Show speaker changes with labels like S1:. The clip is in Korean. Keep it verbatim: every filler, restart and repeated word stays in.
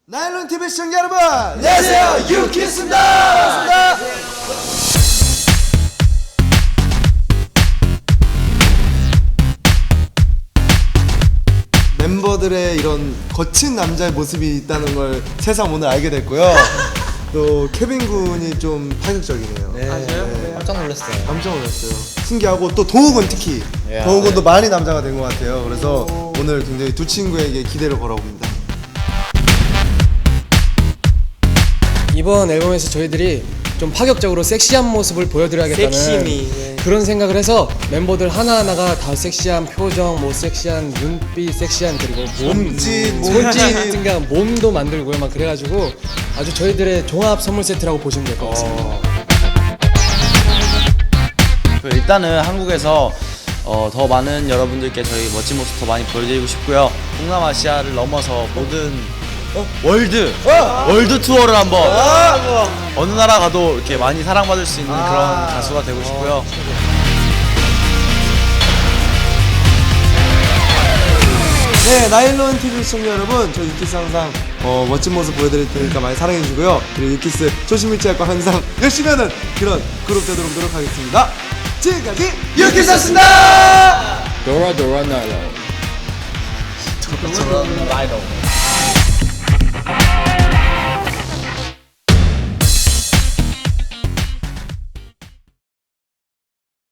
S1: 나일론 티비 시청자 여러분, 안녕하세요, 유키스입니다. 반갑습니다. 멤버들의 이런 거친 남자의 모습이 있다는 걸 새삼 오늘 알게 됐고요. 또 케빈 군이 좀 파격적이네요.
S2: 네.
S1: 네.
S2: 깜짝 놀랐어요.
S1: 깜짝 놀랐어요. 신기하고 또 동욱은 특히
S2: 야,
S1: 동욱은 또
S2: 네.
S1: 많이 남자가 된 것 같아요. 그래서 오늘 굉장히 두 친구에게 기대를 걸어봅니다.
S3: 이번 앨범에서 저희들이 좀 파격적으로 섹시한 모습을 보여드려야겠다는
S2: 섹시미, 네.
S3: 그런 생각을 해서 멤버들 하나하나가 다 섹시한 표정, 뭐 섹시한 눈빛, 섹시한 그리고 몸,
S1: 몸짓,
S3: 손짓
S1: 몸짓.
S3: 같은 게 몸도 만들고요 막 그래가지고 아주 저희들의 종합 선물 세트라고 보시면 될 것 같습니다.
S4: 그 일단은 한국에서 어, 더 많은 여러분들께 저희 멋진 모습 더 많이 보여드리고 싶고요. 동남아시아를 넘어서 모든 월드 월드 투어를 한번 어느 나라 가도 이렇게 많이 사랑받을 수 있는 그런 가수가 되고 싶고요.
S1: 네, 나일론 티비 시청자 여러분, 저 유키스 항상 어, 멋진 모습 보여드릴 테니까 많이 사랑해주고요. 그리고 유키스 조심 잃지 않고 항상 열심히 하는 그런 그룹 되도록 노력하겠습니다. 지금까지 유키스였습니다.
S3: 도라 도라 나일론.
S2: 저런 라이더.